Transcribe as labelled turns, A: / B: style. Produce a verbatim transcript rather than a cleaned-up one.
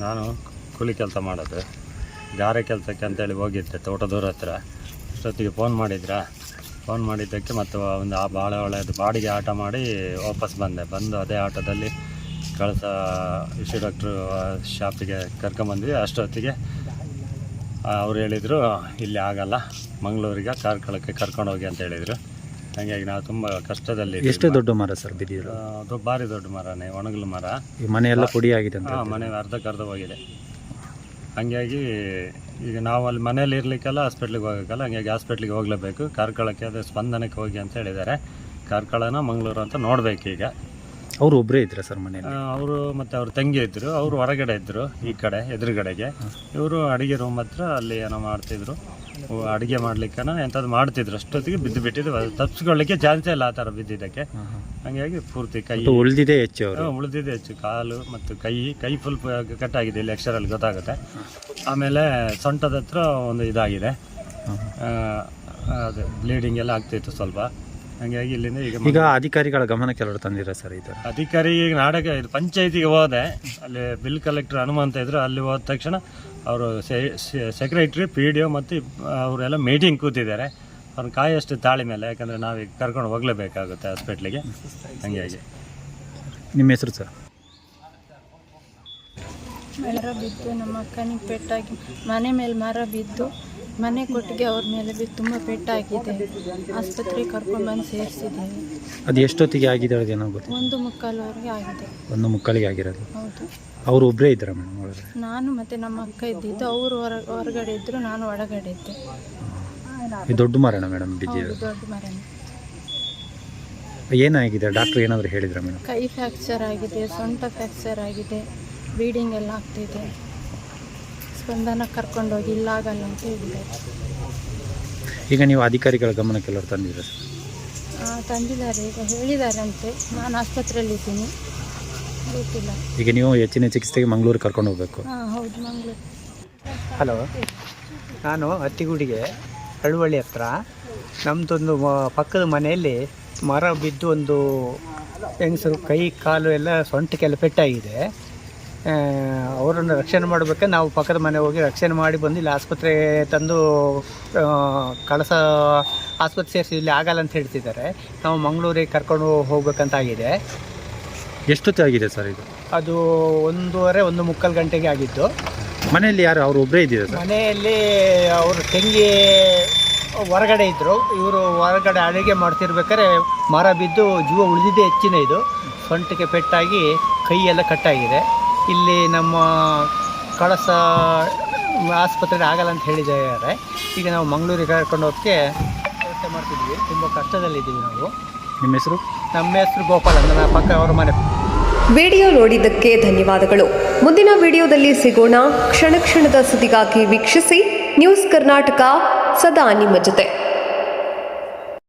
A: ನಾನು ಕೂಲಿ ಕೆಲಸ ಮಾಡೋದು, ಗಾರೆ ಕೆಲಸಕ್ಕೆ ಅಂತೇಳಿ ಹೋಗಿದ್ದೆ ತೋಟದೂರ ಹತ್ರ. ಅಷ್ಟೊತ್ತಿಗೆ ಫೋನ್ ಮಾಡಿದ್ರಾ, ಫೋನ್ ಮಾಡಿದ್ದಕ್ಕೆ ಮತ್ತು ಒಂದು ಆ ಭಾಳ ಒಳ್ಳೆಯದು ಬಾಡಿಗೆ ಆಟ ಮಾಡಿ ವಾಪಸ್ ಬಂದೆ. ಬಂದು ಅದೇ ಆಟೋದಲ್ಲಿ ಕಳಸ ಇಶು ಡಾಕ್ಟ್ರು ಶಾಪಿಗೆ ಕರ್ಕೊಂಬಂದ್ವಿ. ಅಷ್ಟೊತ್ತಿಗೆ ಅವ್ರು ಹೇಳಿದರು ಇಲ್ಲಿ ಆಗಲ್ಲ, ಮಂಗಳೂರಿಗೆ ಕಾರ್ಕಳಕ್ಕೆ ಕರ್ಕೊಂಡೋಗಿ ಅಂತ ಹೇಳಿದರು. ಹಾಗಾಗಿ ನಾವು ತುಂಬ ಕಷ್ಟದಲ್ಲಿ.
B: ಎಷ್ಟು ದೊಡ್ಡ ಮರ ಸರ್ ಬಿದ್ದಿರೋ?
A: ಅದು ಭಾರಿ ದೊಡ್ಡ ಮರನೇ, ಒಣಗಲು ಮರ.
B: ಈ ಮನೆಯೆಲ್ಲ ಪುಡಿ ಆಗಿದೆ ಅಂತ?
A: ಹಾಂ, ಮನೆ ಅರ್ಧಕ್ಕೆ ಅರ್ಧ ಹೋಗಿದೆ. ಹಾಗಾಗಿ ಈಗ ನಾವು ಅಲ್ಲಿ ಮನೇಲಿ ಇರಲಿಕ್ಕೆಲ್ಲ ಹಾಸ್ಪಿಟ್ಲಿಗೆ ಹೋಗೋಕ್ಕಲ್ಲ, ಹಂಗಾಗಿ ಹಾಸ್ಪಿಟ್ಲಿಗೆ ಹೋಗಲೇಬೇಕು. ಕಾರ್ಕಳಕ್ಕೆ ಅದೇ ಸ್ಪಂದನಕ್ಕೆ ಹೋಗಿ ಅಂತ ಹೇಳಿದ್ದಾರೆ. ಕಾರ್ಕಳನ ಮಂಗಳೂರು ಅಂತ ನೋಡಬೇಕು. ಈಗ
B: ಅವರು ಒಬ್ಬರೇ ಇದ್ರ ಸರ್ ಮನೆಯಲ್ಲಿ?
A: ಅವರು ಮತ್ತು ಅವ್ರ ತಂಗಿ ಇದ್ದರು, ಅವರು ಹೊರಗಡೆ ಇದ್ದರು, ಈ ಕಡೆ ಎದುರುಗಡೆಗೆ. ಇವರು ಅಡುಗೆ ರೂಮ್ ಹತ್ರ ಅಲ್ಲಿ ಏನೋ ಮಾಡ್ತಿದ್ರು, ಅಡುಗೆ ಮಾಡ್ಲಿಕ್ಕನ ಎಂಥದ್ದು ಮಾಡ್ತಿದ್ರು. ಅಷ್ಟೊತ್ತಿಗೆ ಬಿದ್ದು ಬಿಟ್ಟಿದ್ದು, ತಪ್ಪಿಸ್ಕೊಳ್ಳಿಕ್ಕೆ ಚಾನ್ಸೇ ಇಲ್ಲ ಆ ಥರ ಬಿದ್ದಿದ್ದಕ್ಕೆ. ಹಾಗಾಗಿ ಪೂರ್ತಿ ಕೈ
B: ಉಳಿದಿದೆ ಹೆಚ್ಚು,
A: ಉಳಿದಿದೆ ಹೆಚ್ಚು. ಕಾಲು ಮತ್ತು ಕೈ ಕೈ ಫುಲ್ ಕಟ್ಟಾಗಿದೆ, ಇಲ್ಲಿ ಎಕ್ಸ್ರಲ್ಲಿ ಗೊತ್ತಾಗುತ್ತೆ. ಆಮೇಲೆ ಸೊಂಟದ ಹತ್ರ ಒಂದು ಇದಾಗಿದೆ, ಅದು ಬ್ಲೀಡಿಂಗ್ ಎಲ್ಲ ಆಗ್ತಿತ್ತು ಸ್ವಲ್ಪ. ಹಾಗಾಗಿ ಇಲ್ಲಿಂದ ಈಗ
B: ಈಗ ಅಧಿಕಾರಿಗಳ ಗಮನಕ್ಕೆ ಎಲ್ಲರೂ ತಂದಿರ ಸರ್ ಇದು?
A: ಅಧಿಕಾರಿ ಈಗ ನಾಡಕ ಇದು ಪಂಚಾಯತಿಗೆ ಹೋದೆ, ಅಲ್ಲಿ ಬಿಲ್ ಕಲೆಕ್ಟರ್ ಹನುಮಂತ ಇದ್ರು. ಅಲ್ಲಿ ಹೋದ ತಕ್ಷಣ ಅವರು ಸೆಕ್ರೆಟ್ರಿ, ಪಿ ಡಿ ಒ ಮತ್ತು ಅವರೆಲ್ಲ ಮೀಟಿಂಗ್ ಕೂತಿದ್ದಾರೆ. ಅವ್ರನ್ನ ಕಾಯಷ್ಟು ತಾಳಿ ಮೇಲೆ, ಯಾಕಂದರೆ ನಾವೀಗ ಕರ್ಕೊಂಡು ಹೋಗಲೇಬೇಕಾಗುತ್ತೆ ಹಾಸ್ಪಿಟ್ಲಿಗೆ. ಹಾಗಾಗಿ
B: ನಿಮ್ಮ ಹೆಸರು ಸರ್?
C: ಮರ ಬಿದ್ದು ನಮ್ಮ ಅಕ್ಕನಿಗೆ ಪೆಟ್ಟಾಗಿ, ಮನೆ ಮೇಲೆ ಮರ ಬಿದ್ದು ಮನೆ ಕೊಟ್ಟಿಗೆ ಅವ್ರ ಮೇಲೆ ಬಿದ್ದು ತುಂಬ ಪೆಟ್ಟಾಗಿದೆ. ಆಸ್ಪತ್ರೆಗೆ ಕರ್ಕೊಂಡು ಬಂದು ಸೇರಿಸಿದ್ದೀವಿ.
B: ಅದು ಎಷ್ಟೊತ್ತಿಗೆ ಆಗಿದೆ ಏನೋ ಗೊತ್ತು?
C: ಒಂದು ಮುಕ್ಕಾಲವರೆಗೆ ಆಗಿದೆ. ಒಂದು
B: ಮುಕ್ಕಾಲಿಗೆ ಆಗಿರೋದು?
C: ಹೌದು.
B: ಅವರು ಒಬ್ಬರೇ ಇದ್ದಾರೆ ಮೇಡಮ್ ಒಳಗಡೆ?
C: ನಾನು ಮತ್ತು ನಮ್ಮ ಅಕ್ಕ ಇದ್ದಿದ್ದು, ಅವರು ಹೊರ ಹೊರಗಡೆ ಇದ್ದರು, ನಾನು ಒಳಗಡೆ ಇದ್ದೆ.
B: ಇದು ದೊಡ್ಡ ಮರಣ ಮೇಡಮ್ ಬಿದ್ದಿದೆ?
C: ದೊಡ್ಡ ಮರನೇ.
B: ಏನಾಗಿದೆ ಡಾಕ್ಟ್ರ್ ಏನಾದರೂ ಹೇಳಿದ್ರ ಮೇಡಮ್?
C: ಕೈ ಫ್ರ್ಯಾಕ್ಚರ್ ಆಗಿದೆ, ಸೊಂಟ ಫ್ರ್ಯಾಕ್ಚರ್ ಆಗಿದೆ, ಬ್ಲೀಡಿಂಗ್ ಎಲ್ಲ ಆಗ್ತಿದೆ. ಸ್ಪಂದನ ಕರ್ಕೊಂಡೋಗಿ ಇಲ್ಲ ಆಗಲ್ಲ ಅಂತ ಹೇಳಿದ್ದಾರೆ.
B: ಈಗ ನೀವು ಅಧಿಕಾರಿಗಳ ಗಮನಕ್ಕೆ ಎಲ್ಲರೂ ತಂದಿದ್ದೀರಾ ಸರ್?
C: ತಂದಿದ್ದಾರೆ, ಈಗ ಹೇಳಿದಾರಂತೆ. ನಾನು ಆಸ್ಪತ್ರೆಯಲ್ಲಿದ್ದೀನಿ, ಗೊತ್ತಿಲ್ಲ.
B: ಈಗ ನೀವು ಹೆಚ್ಚಿನ ಚಿಕಿತ್ಸೆಗೆ ಮಂಗಳೂರಿಗೆ ಕರ್ಕೊಂಡು ಹೋಗಬೇಕು?
C: ಹಾಂ ಹೌದು, ಮಂಗಳೂರು.
D: ಹಲೋ, ನಾನು ಹತ್ತಿಗುಡಿಗೆ ಹಳುವಳ್ಳಿ ಹತ್ರ ನಮ್ಮದೊಂದು ಪಕ್ಕದ ಮನೆಯಲ್ಲಿ ಮರ ಬಿದ್ದು ಒಂದು ಹೆಂಗಸರು ಕೈ ಕಾಲು ಎಲ್ಲ ಸೊಂಟಕ್ಕೆಲ್ಲ ಪೆಟ್ಟಾಗಿದೆ. ಅವರನ್ನು ರಕ್ಷಣೆ ಮಾಡಬೇಕಾದ್ರೆ ನಾವು ಪಕ್ಕದ ಮನೆ ಹೋಗಿ ರಕ್ಷಣೆ ಮಾಡಿ ಬಂದು ಇಲ್ಲಿ ಆಸ್ಪತ್ರೆಗೆ ತಂದು ಕಳಸ ಆಸ್ಪತ್ರೆ ಸೇರಿಸಿ ಇಲ್ಲಿ ಆಗಲ್ಲ ಅಂತ ಹೇಳ್ತಿದ್ದಾರೆ. ನಾವು ಮಂಗಳೂರಿಗೆ ಕರ್ಕೊಂಡು ಹೋಗ್ಬೇಕಂತಾಗಿದೆ.
B: ಎಷ್ಟೊತ್ತಾಗಿದೆ ಸರ್ ಇದು?
D: ಅದು ಒಂದೂವರೆ ಒಂದು ಮುಕ್ಕಾಲು ಗಂಟೆಗೆ ಆಗಿದ್ದು.
B: ಮನೆಯಲ್ಲಿ ಯಾರು ಅವರು ಒಬ್ಬರೇ ಇದ್ದೀರಾ ಸರ್?
D: ಮನೆಯಲ್ಲಿ ಅವರು ತಂಗಿ ಹೊರಗಡೆ ಇದ್ದರು, ಇವರು ಹೊರಗಡೆ ಅಡುಗೆ ಮಾಡ್ತಿರ್ಬೇಕಾದ್ರೆ ಮರ ಬಿದ್ದು ಜೀವ ಉಳಿದಿದ್ದೇ ಹೆಚ್ಚಿನ. ಇದು ಸೊಂಟಕ್ಕೆ ಪೆಟ್ಟಾಗಿ ಕೈಯೆಲ್ಲ ಕಟ್ಟಾಗಿದೆ. ಇಲ್ಲಿ ನಮ್ಮ ಕಳಸ ಆಸ್ಪತ್ರೆಗೆ ಆಗಲ್ಲ ಅಂತ ಹೇಳಿದ್ದಾರೆ. ಈಗ ನಾವು ಮಂಗಳೂರಿಗೆ ಕರ್ಕೊಂಡು ಹೋಗೋಕ್ಕೆ ವ್ಯವಸ್ಥೆ ಮಾಡ್ತಿದ್ವಿ. ತುಂಬ ಕಷ್ಟದಲ್ಲಿದ್ದೀವಿ ನಾವು.
B: ನಿಮ್ಮ ಹೆಸರು?
D: ನಮ್ಮ ಹೆಸರು ಗೋಪಾಲ್ ಅಂತ, ನನ್ನ ಪಕ್ಕ ಅವ್ರ ಮನೆ.
E: ವಿಡಿಯೋ ನೋಡಿದ್ದಕ್ಕೆ ಧನ್ಯವಾದಗಳು. ಮುಂದಿನ ವಿಡಿಯೋದಲ್ಲಿ ಸಿಗೋಣ. ಕ್ಷಣ ಕ್ಷಣದ ಸುದ್ದಿಗಾಗಿ ವೀಕ್ಷಿಸಿ ನ್ಯೂಸ್ ಕರ್ನಾಟಕ, ಸದಾ ನಿಮ್ಮ ಜೊತೆ.